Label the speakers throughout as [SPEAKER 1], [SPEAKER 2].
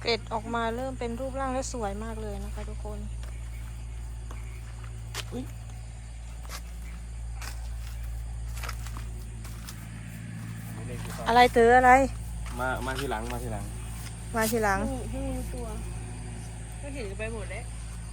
[SPEAKER 1] เกล็ดออกมาเริ่มเป็นรูปร่างและสวยมากเลยนะคะทุกคนอะไรเต๋ออะไร
[SPEAKER 2] มาทีหลัง
[SPEAKER 1] มาทีหลัง
[SPEAKER 3] ตัวก็เห็นกันไปหมดแล้ว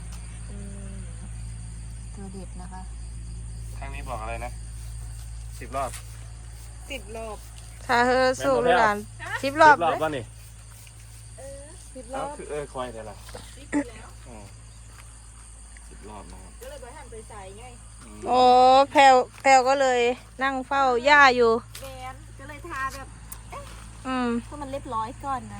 [SPEAKER 1] ตัวเด็ดนะคะ
[SPEAKER 2] ทางนี้บอกอะไรนะ10 รอบ
[SPEAKER 1] ถ้าเธอสู้ลูกหลาน10 รอบเลย
[SPEAKER 2] ป่ะนี่
[SPEAKER 3] 10 รอบ
[SPEAKER 2] คือคอยแต่ละ
[SPEAKER 3] 10แล้ว
[SPEAKER 2] 10 รอบนะครับ
[SPEAKER 3] ก็เลยไปหันไปใส่ไง
[SPEAKER 1] โอ้แพลวก็เลยนั่งเฝ้าย่าอยู่
[SPEAKER 3] แกนก็เลยทาแบบ
[SPEAKER 1] เพ
[SPEAKER 3] ราะมันเรียบร้อยก่อนนะ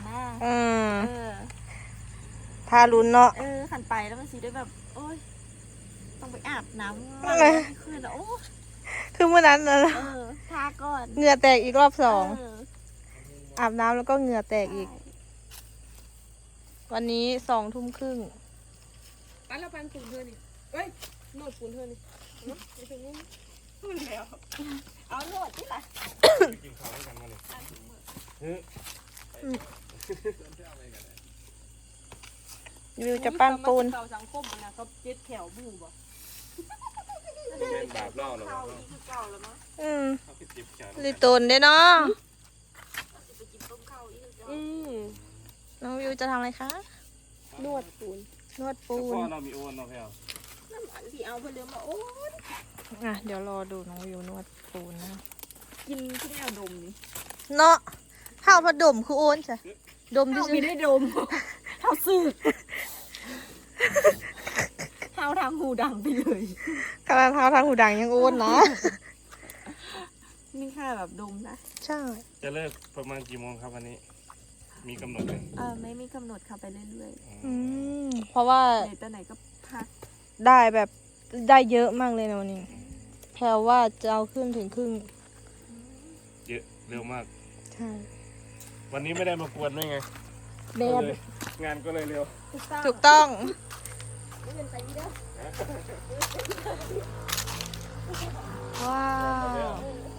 [SPEAKER 1] ทารุนเนาะ
[SPEAKER 3] ขันไปแล้วมันสีได้แบบโอ้ยต้องไปอาบน้ำคืนโอ้
[SPEAKER 1] คือเมื่อนั้นนะ
[SPEAKER 3] ทาก่อน
[SPEAKER 1] เหงื่อแตกอีกรอบ2อาบน้ำแล้วก็เหงื่อแตกอีกวันนี้20:30
[SPEAKER 3] ปั้นแล้วปั้นปูนเธอนี่เอ้ยโนดปูนเธอนี่ไม่ถึงนี่พูดแล้วเอาโนดที่ไหน
[SPEAKER 2] กินข้าวด้วยกันมาเลย
[SPEAKER 1] วิวจะปั้นปูน
[SPEAKER 3] สังคมนะเขาเจ็ดแถวบูบ่
[SPEAKER 2] เป็นบาปเล่าหรอ
[SPEAKER 1] ลิตนเด้เนาะน้องวิวจะทำอะไรคะ
[SPEAKER 3] นวดปูน
[SPEAKER 2] พ่อเรามีโอนเราแพลว
[SPEAKER 3] น้ำมันที่เอาไปเรือมาโอน
[SPEAKER 1] เดี๋ยวรอดูน้องวิวนวดปูนนะ
[SPEAKER 3] กินที่แนวดมนี่
[SPEAKER 1] เนาะข้าวผัดดมคือโอนใช่ดมที่
[SPEAKER 3] ไม่ได้ดมเท้าซื้อเท้าทางหูดังไปเลย
[SPEAKER 1] ขนาดเท้าทางหูดังยังโอนนะ
[SPEAKER 3] นี่แค่แบบดมนะ
[SPEAKER 1] ใช่
[SPEAKER 2] จะเลิกประมาณกี่โมงครับวันนี้มีกำหนดไหม
[SPEAKER 3] ไม่มีกำหนดค่ะไปเรื่อย
[SPEAKER 1] ๆเพราะว่า
[SPEAKER 3] ตอนไหนก็พัก
[SPEAKER 1] ได้แบบได้เยอะมากเลยนะวันนี้แพลว่าจะเอาขึ้นถึงครึ่ง
[SPEAKER 2] เยอะเร็วมาก
[SPEAKER 1] ใช่
[SPEAKER 2] วันนี้ไม่ได้มากวนด้วยไงงานก็เลยเร็ว
[SPEAKER 1] ถูกต้องว้าว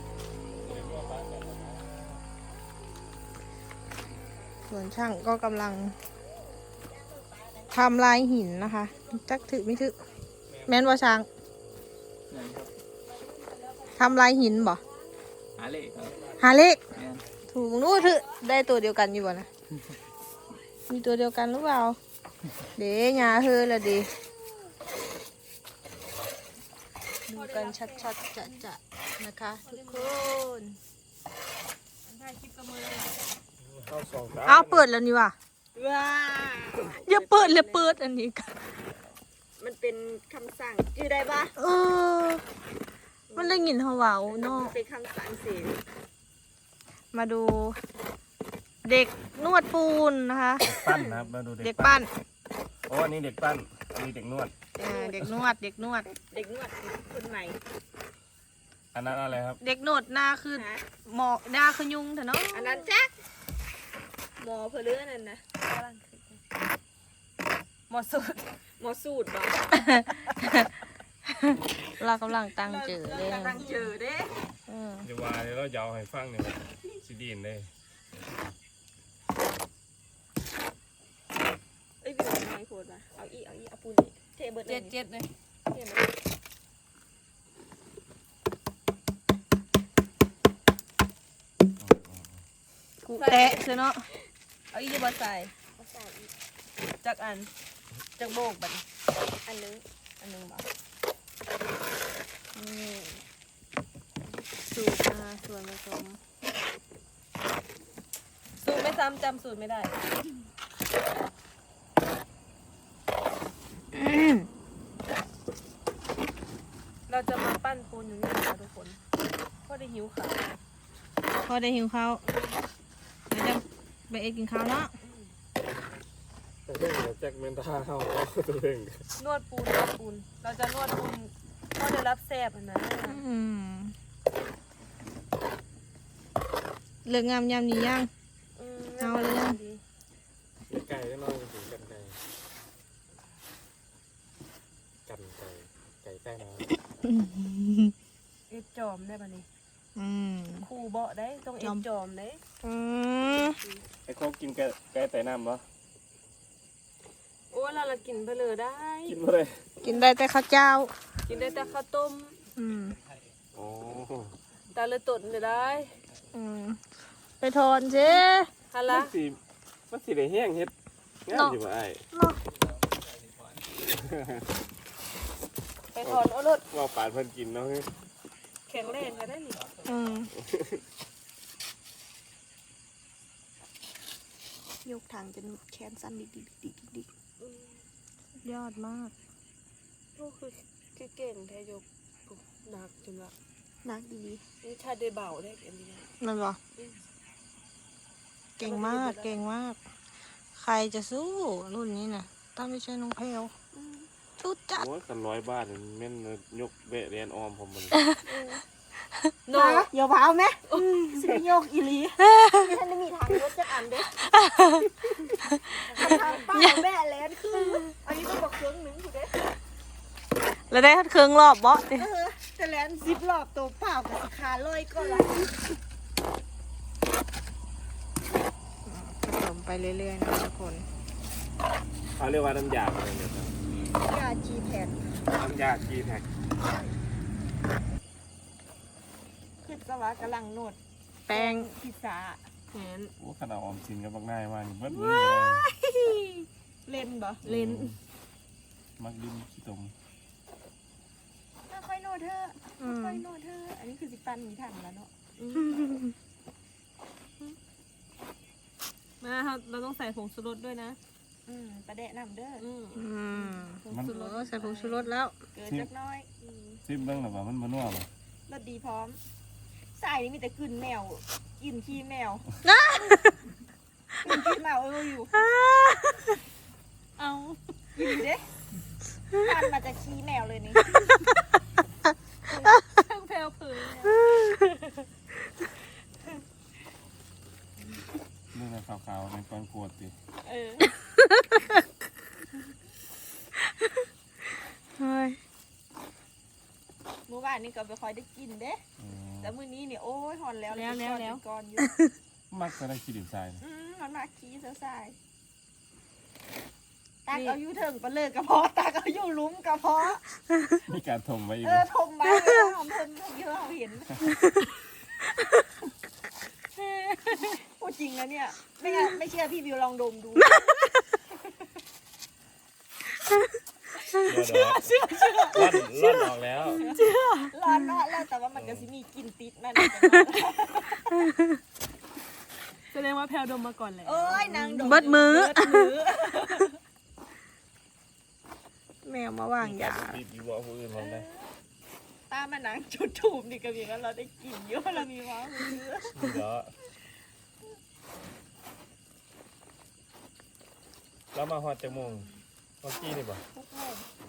[SPEAKER 1] ส่วนช่างก็กำลังทำลายหินนะคะจักถือไม่ถือแม่นว่าช่างทำลายหินบ่หาเลขถูกนู้ถือได้ตัวเดียวกันอยู่บ่นะมีตัวเดียวกันหรือเปล่าเดี๋ยวหาเธอละดิดูกันชัดๆจะนะคะทุกคนเอาเปิดแล้วนี่ว่ะอย่าเปิดเลยเปิดอันนี้กัน
[SPEAKER 3] มันเป็นคำสั่งชื่อได้ปะ
[SPEAKER 1] มันได้ยินเขาว่าเนาะ
[SPEAKER 3] เป็นคำสั่งเสีย
[SPEAKER 1] มาดูเด็กนวดปูนนะคะ
[SPEAKER 2] ปั้นนะครับมาดู
[SPEAKER 1] เด็กปั้น
[SPEAKER 2] อันนี้เด็กปั้นอันนี้เด็กนวด
[SPEAKER 1] เด็กนวด
[SPEAKER 3] คนใหม่
[SPEAKER 2] อันนั้นอะไรครับ
[SPEAKER 1] เด็กนวดหน้าคือหมอหน้าคือยุงเถอะเนาะ
[SPEAKER 3] อันนั้นแจ๊กหมอเพลือนั่นนะ
[SPEAKER 1] หมอสูตร
[SPEAKER 3] บ่
[SPEAKER 1] เรากำลังตั้งเจอเด้
[SPEAKER 2] เดี๋ยวว่าเดี๋ยวเราจะเอาให้ฟังเนี่ยซีดีนเลย
[SPEAKER 3] เป็นไงโคตรเอาปูนเทเบิร์ด
[SPEAKER 1] เจ็ดเลยกูแตะเถอะเนาะเอาอีกบาใส่จากอันจากโบกบัด
[SPEAKER 3] อันนึงบ่
[SPEAKER 1] สูตรส่วนผสมสูตรไม่ซ้ำจำสูตรไม่ได้เราจะมาปั้นปูนอยู่นี่นะทุกคนพ่อได้หิวข้าวเดี๋ยวจะไปกินข้าวเนาะ
[SPEAKER 2] แจ็คเมนท่าเข้าตัวเอง
[SPEAKER 1] นวดปูนเราจะนวดปูนก็จะรับแซ่บนะเลือกงามยามนี้ยังเอาเลยยัง
[SPEAKER 2] ไก่ก็นอนถึงกันไก่ใต้น้ำ
[SPEAKER 1] เอ็ดจอมได้ป่ะนี่คู่เบาะได้ต้องเอ็ดจอมได้
[SPEAKER 2] ไอ้โคกินไก่ใต้น้ำปะ
[SPEAKER 3] เรากินไปเลยได้
[SPEAKER 2] กินมาเลย
[SPEAKER 1] กินได้แต่ข้าวเจ้า
[SPEAKER 3] กินได้แต่ข้าวต้ม
[SPEAKER 1] อืม
[SPEAKER 2] โอ้
[SPEAKER 3] ตาเลยตดเลยได้
[SPEAKER 1] อืมไปทอนสิ
[SPEAKER 3] ฮัล
[SPEAKER 2] มั
[SPEAKER 3] ละ
[SPEAKER 2] นสิมันสิได้แห้งเฮ็ดงานอยู่บ่ไอ้
[SPEAKER 1] เนาะ
[SPEAKER 3] ไปถอนเอารถ
[SPEAKER 2] ว่าปานเพิ่นกินเนาะ
[SPEAKER 3] แข็งแรงก็ได้นี่
[SPEAKER 1] อืมยกทางจนแขนสั้นดิกยอดมาก
[SPEAKER 3] โอ้คือเก่งแท้ยกหนักจนละ
[SPEAKER 1] นักดี
[SPEAKER 3] นี่ชาได้เบาได้อันนี้
[SPEAKER 1] นั่นเหรอเก่งมากเก่งมาก ใครจะสู้รุ่นนี้น่ะถ้าไม่ใช่น้องแพลวชุดจัด
[SPEAKER 2] โอ้ยกัน100 บาทนี่แม่นยกเบะเรียนออมผมมัน
[SPEAKER 3] โน่
[SPEAKER 1] อย่าว้าวไหมสิโยกอีลี
[SPEAKER 3] ท่านได้มีทางรถจักอันเด้
[SPEAKER 1] ทางป้าแม่แลนคือ
[SPEAKER 3] อันนี้ต้องบอกเครื่องหนึงถูกเด้
[SPEAKER 1] แล้วได้เครื่องรอบเบาะดิ
[SPEAKER 3] แต่แลน10 รอบตัวเปล่ากับขาลอยก็ละ
[SPEAKER 1] ผสมไปเรื่อยๆนะทุกคน
[SPEAKER 2] เขาเรียกว่าน้ำยาอะไรเนี่ยครับ
[SPEAKER 1] ยาจีแพน
[SPEAKER 2] น้ำยากีแท็ก
[SPEAKER 3] คือสวะกำลังโนด
[SPEAKER 1] แป้ง
[SPEAKER 3] พิซซ่าแหน
[SPEAKER 2] โอ้ขนาดออมสินก็บักง่ายมากเบิดมือ
[SPEAKER 3] เล่นบ่
[SPEAKER 2] เล่นมักดินขี้ตม
[SPEAKER 3] ค่อยโนดเธอ
[SPEAKER 1] อืม
[SPEAKER 3] ค่อยโนดเธออันนี้คือสิปันมีถังแล้วเนาะมาเราต้องใส่ผงชูรสด้วยนะประเดะนำเด้อ
[SPEAKER 1] อืม
[SPEAKER 3] ผงชูรส
[SPEAKER 1] ใส่ผงชูรสแล้ว
[SPEAKER 3] เกินจักน้อย
[SPEAKER 2] ซิมเบิ่งหรือว่ามันบ่นัวบ่
[SPEAKER 3] รสดีพร้อมใส่นี่มีแต่กลิ่นแมวกลิ่นขี้แมวกลิ่นขี้แมวอยู่เอาอยู่เด้พันมาจากขี้แมวเลยนี่ช่างแพลวเผย
[SPEAKER 2] เรื่องขาวๆเป็นก้อนกรวดติ
[SPEAKER 1] เฮ้ย
[SPEAKER 3] เมื่อวานนี่ก็ไปคอยได้กินเด้แต่มื้อนี้เนี่ยโอ้ยหอนแล้วก่อนอยู่
[SPEAKER 2] มักจะได้ขี้ดินทราย
[SPEAKER 3] มันมาขี้เสือสายตากเอาอยู่ถึงปลาเลิกกระเพาะตากเอาอยู่ลุ้มกระเพาะ
[SPEAKER 2] มีการถมไว้อีก
[SPEAKER 3] ทมไปหอมทนเยอะเราเห็นพูดจริงนะเนี่ยไม่เชื่อพี่บิวลองดมดู
[SPEAKER 2] เชื่อร่อนออกแล้ว
[SPEAKER 3] ร้อนมากแล้วแต่ว่ามันก็สิมีกลิ่นติดมัน
[SPEAKER 4] แสดงว่าแพลวดมมาก่อนเลย
[SPEAKER 3] โอ้ยนางดม
[SPEAKER 1] เบิดมือ แมวมาวางยา
[SPEAKER 2] ปีบอยู่ว่าผู้อื่นมองได้
[SPEAKER 3] ตามันนางจุดถูบนี่ก็มีกันเราได้กลิ่นเยอะเรามีว้าวมือ
[SPEAKER 2] เดี๋ยวเรามาฮอดจังโมงเมื่อกี้นี่บ่
[SPEAKER 3] ทุกโมง